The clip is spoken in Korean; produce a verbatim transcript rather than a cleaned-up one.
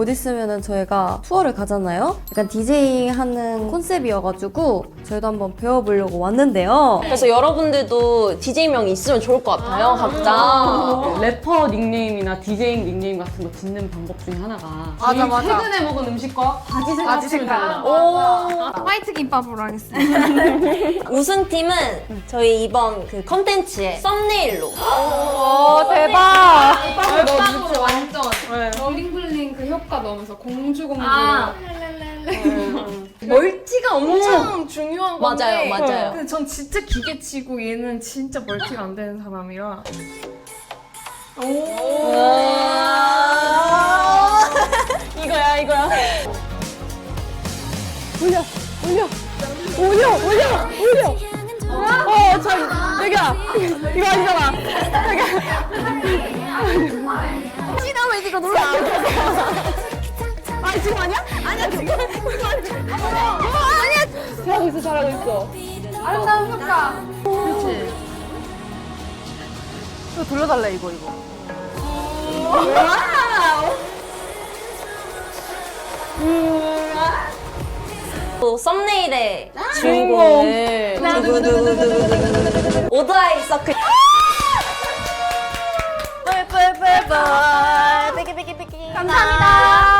곧 있으면은 저희가 투어를 가잖아요. 약간 디제잉 하는 컨셉이어가지고 저희도 한번 배워보려고 왔는데요. 그래서 여러분들도 디제이명이 있으면 좋을 것 같아요, 각자. 래퍼 닉네임이나 디제잉 닉네임 같은 거 짓는 방법 중에 하나가 맞아, 제일 맞아. 최근에 먹은 음식과 바지 색깔 바지 색깔. 오. 화이트 김밥으로 하겠습니다. 우승팀은 저희 이번 그 컨텐츠의 썸네일로. 오, 대박. 빵으로 완전 블링블링 그 효과 넣으면서 공주 공주 아. 멀티가 엄청 중요한 건데 맞아요, 맞아요. 근데 전 진짜 기계치고 얘는 진짜 멀티가 안 되는 사람이라 이거야, 이거야. 어, 참, 여기야. 이거 아니잖아. 시나면 이거 놀라. 아, 지금 아니야? 아니야, 지금. 아니야. 잘하고 있어, 잘하고 있어. 아름다운 효과. 그렇지. 이거 돌려달래, 이거, 이거. 또 썸네일의 주인공을 두구두구두구두구두구 오드아이 서클. 감사합니다.